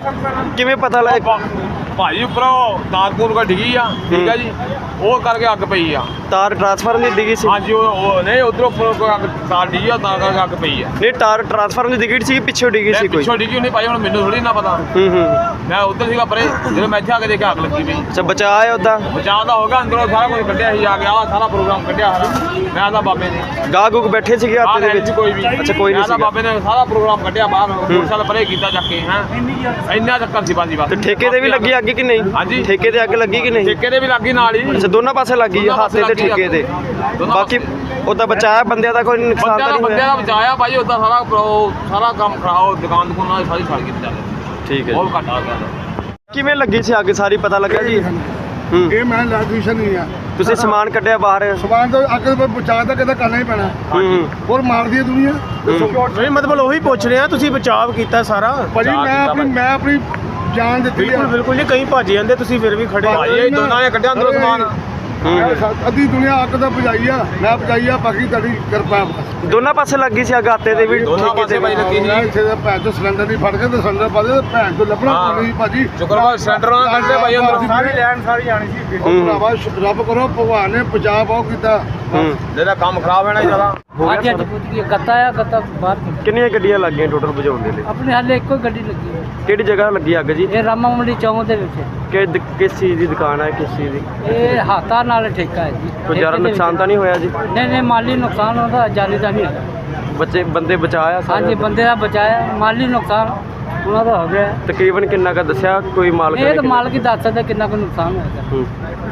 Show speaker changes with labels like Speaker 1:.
Speaker 1: ਕਿਵੇਂ ਪਤਾ ਲੱਗ
Speaker 2: ਭਾਜੀ ਉੱਪਰੋਂ ਤਾਰ ਤੂਰ ਕਾ ਡਿੱਗੀ ਆ, ਠੀਕ ਆ ਜੀ, ਉਹ ਕਰਕੇ ਅੱਗ ਪਈ ਆ।
Speaker 1: ਤਾਰ ਟਰਾਂਸਫਾਰਮ ਦੀ ਡਿੱਗੀ ਸੀ?
Speaker 2: ਹਾਂਜੀ ਉਹ ਨਹੀਂ ਉਧਰੋਂ ਉੱਪਰੋਂ ਅੱਗ ਤਾਰ ਡਿੱਗੀ ਆ, ਤਾਂ ਕਰਕੇ ਅੱਗ ਪਈ ਆ।
Speaker 1: ਨਹੀਂ ਤਾਰ ਟਰਾਂਸਫਾਰਮ ਦੀ ਡਿੱਗੀ ਸੀ, ਪਿੱਛੋਂ ਡਿੱਗੀ ਸੀ ਕੋਈ?
Speaker 2: ਪਿੱਛੋਂ ਡਿੱਗੀ ਹੋਣੀ ਭਾਜੀ, ਹੁਣ ਮੈਨੂੰ ਥੋੜੀ ਨਾ ਪਤਾ। ਮੈਂ ਉੱਧਰ ਸੀਗਾ ਪਰੇ, ਜਦੋਂ ਮੈਂ ਇੱਥੇ ਆ ਕੇ ਦੇਖਿਆ ਅੱਗ ਲੱਗੀ ਪਈ।
Speaker 1: ਅੱਛਾ ਬਚਾਅ ਹੈ ਉਹਦਾ?
Speaker 2: ਬਚਾਅ ਦਾ ਹੋ ਗਿਆ, ਅੰਦਰੋਂ ਸਾਰਾ ਕੁਝ ਕੱਢਿਆ ਸੀ, ਆ ਗਿਆ ਸਾਰਾ ਪ੍ਰੋਗਰਾਮ ਕੱਢਿਆ ਸਾਰਾ। ਮੈਂ ਆਦਾ ਬਾਬੇ ਨੇ
Speaker 1: ਗਾਹ ਗੁੱਗ ਬੈਠੇ ਸੀਗੇ ਹੱਥ ਦੇ ਵਿੱਚ?
Speaker 2: ਕੋਈ ਵੀ
Speaker 1: ਅੱਛਾ ਕੋਈ ਨਹੀਂ
Speaker 2: ਸੀ। ਬਾਬੇ ਨੇ ਸਾਰਾ ਪ੍ਰੋਗਰਾਮ ਕੱਢਿਆ ਬਾਹਰ, ਮੋਟਰਸਾਈਕਲ ਪਰੇ ਕੀਤਾ ਚੱਕ ਕੇ। ਹੈ ਇੰਨਾ ਚੱਕਰ ਸੀ ਬਾਜੀ ਬਸ।
Speaker 1: ਤੇ ਠੇਕੇ ਤੇ ਵੀ ਲੱਗੀ ਅੱਗ ਕਿ ਨਹੀਂ?
Speaker 2: ਹਾਂਜੀ
Speaker 1: ਠੇਕੇ ਤੇ ਅੱਗ ਲੱਗੀ ਕਿ ਨਹੀਂ?
Speaker 2: ਠੇਕੇ ਦੇ ਵੀ ਲੱਗੀ ਨਾਲ ਹੀ।
Speaker 1: ਅੱਛਾ ਦੋਨਾਂ ਪਾਸੇ ਲੱਗੀ ਹੈ, ਹੱਥ ਤੇ ਠੇਕੇ ਤੇ? ਬਾਕੀ ਉਹਦਾ ਬਚਾਇਆ ਬੰਦਿਆਂ ਦਾ ਕੋਈ ਨੁਕਸਾਨ ਤਾਂ ਨਹੀਂ ਹੋਇਆ?
Speaker 2: ਬੰਦਿਆਂ ਦਾ ਬਚਾਇਆ ਭਾਈ, ਉਹਦਾ ਸਾਰਾ ਕੰਮ ਖਰਾਬ, ਦੁਕਾਨ ਦੁਕਾਨਾਂ ਸਾਰੀ ਸੜ ਗਈ ਚੱਲ।
Speaker 1: ਠੀਕ ਹੈ
Speaker 2: ਬਹੁਤ ਘੱਟ ਆ ਗਿਆ।
Speaker 1: ਕਿਵੇਂ ਲੱਗੀ ਸੀ ਅੱਗ ਸਾਰੀ ਪਤਾ ਲੱਗਾ ਜੀ?
Speaker 3: ਇਹ ਮੈਂ ਇਲੈਕਟ੍ਰੀਸ਼ੀਅਨ ਨਹੀਂ ਆ।
Speaker 1: ਤੁਸੀਂ ਸਮਾਨ ਕੱਢਿਆ ਬਾਹਰ?
Speaker 3: ਸਮਾਨ ਤੋਂ ਅੱਗ ਬਚਾ ਤਾਂ ਕਿਤੇ ਕਰਨਾ ਹੀ ਪੈਣਾ। ਹੋਰ ਮਾਰਦੀ ਹੈ ਦੁਨੀਆ।
Speaker 4: ਨਹੀਂ ਮਤਲਬ ਉਹੀ ਪੁੱਛ ਰਹੇ ਆ, ਤੁਸੀਂ ਬਚਾਅ ਕੀਤਾ ਸਾਰਾ?
Speaker 3: ਭਾਜੀ ਮੈਂ ਆਪਣੀ ਜਾਨ ਦਿੱਤੀ
Speaker 4: ਬਿਲਕੁਲ ਬਿਲਕੁਲ ਜੀ, ਕਈ ਭੱਜ ਜਾਂਦੇ, ਤੁਸੀਂ ਫਿਰ ਵੀ ਖੜੇ।
Speaker 2: ਭਾਈ ਇਹ ਦੋਨਾਂ ਨੇ ਕੱਢਿਆ ਅੰਦਰੋਂ ਸਮਾਨ।
Speaker 3: ਅੱਧੀ ਦੁਨੀਆ ਅੱਗ ਦਾ ਬੁਝਾਈ ਆ, ਮੈਂ ਬੁਝਾਈ ਆ, ਬਾਕੀ ਤੁਹਾਡੀ ਕਿਰਪਾ।
Speaker 1: ਦੋਨਾਂ ਪਾਸੇ ਲੱਗੀ ਸੀ ਅੱਗ, ਹੱਥੇ ਤੇ ਵੀ
Speaker 2: ਦੋਨਾਂ
Speaker 1: ਠੇਕੇ
Speaker 2: ਪਾਸੇ
Speaker 1: ਤੇ
Speaker 2: ਭਾਈ ਲੱਗੀ ਸੀ।
Speaker 3: ਇੱਥੇ ਦਾ ਭੈਣ ਤੋਂ ਸਿਲੰਡਰ ਨਹੀਂ ਫੜ ਕੇ ਤੇ ਸਿਲੰਡਰ ਪਾ ਦੇ, ਭੈਣ ਤੋਂ ਲੱਭਣਾ ਨਹੀਂ ਭਾਜੀ।
Speaker 2: ਸ਼ੁਕਰਵਾਰ ਸਿਲੰਡਰ ਨਾਲ ਕੱਢਦੇ ਭਾਈ ਅੰਦਰੋਂ।
Speaker 4: ਸਾਰੀ ਲੈਣ ਸਾਰੀ ਜਾਣੀ ਸੀ।
Speaker 3: ਭਰਾਵਾ ਰੱਬ ਕਰੋ, ਭਗਵਾਨ ਨੇ ਬਚਾ ਬਹੁਤ ਕੀਤਾ।
Speaker 2: ਜਿਹਦਾ ਕੰਮ ਖਰਾਬ ਹੋਣਾ ਜ਼ਿਆਦਾ।
Speaker 5: ਅੱਜ ਪੁੱਜ ਗਈ ਗੱਤਾ ਆ, ਗੱਤਾ ਬਾਹਰ
Speaker 1: ਕਿੰਨੀਆਂ ਗੱਡੀਆਂ ਲੱਗੀਆਂ ਟੋਟਲ ਬੁਝਾਉਣ ਦੇ ਲਈ?
Speaker 5: ਆਪਣੇ ਹਾਲੇ ਇੱਕੋ ਗੱਡੀ ਲੱਗੀ ਹੈ।
Speaker 1: ਕਿਹੜੀ ਜਗ੍ਹਾ ਲੱਗੀ ਅੱਗ ਜੀ?
Speaker 5: ਇਹ ਰਾਮਾ ਮੰਡੀ ਚੌਂਕ ਦੇ ਵਿੱਚ
Speaker 1: ਕਿਸ ਚੀਜ਼ ਦੀ ਦੁਕਾਨ ਹੈ, ਕਿਸ ਚੀਜ਼ ਦੀ?
Speaker 5: ਇਹ ਹਾਥਾਂ ਨਾਲ ਠੇਕਾ ਹੈ ਜੀ।
Speaker 1: ਕੋਈ ਜ਼ਿਆਦਾ ਨੁਕਸਾਨ ਤਾਂ ਨਹੀਂ ਹੋਇਆ ਜੀ?
Speaker 5: ਨਹੀਂ ਮਾਲੀ ਨੁਕਸਾਨ ਉਹਦਾ, ਜਾਨੀ ਦਾ ਨਹੀਂ ਹੋਇਆ।
Speaker 1: ਬੰਦੇ ਬਚਾਇਆ ਸਾਰੇ?
Speaker 5: ਹਾਂਜੀ ਬੰਦੇ ਦਾ ਬਚਾਇਆ, ਮਾਲੀ ਨੁਕਸਾਨ ਉਹਨਾਂ ਦਾ ਹੋ ਗਿਆ।
Speaker 1: ਤਕਰੀਬਨ ਕਿੰਨਾ ਕੁ ਦੱਸਿਆ ਕੋਈ ਮਾਲਕ
Speaker 5: ਇਹ
Speaker 1: ਨੇ?
Speaker 5: ਤਾਂ ਮਾਲਕ ਹੀ ਦੱਸ ਸਕਦਾ ਕਿੰਨਾ ਕੁ ਨੁਕਸਾਨ ਹੋਇਆ।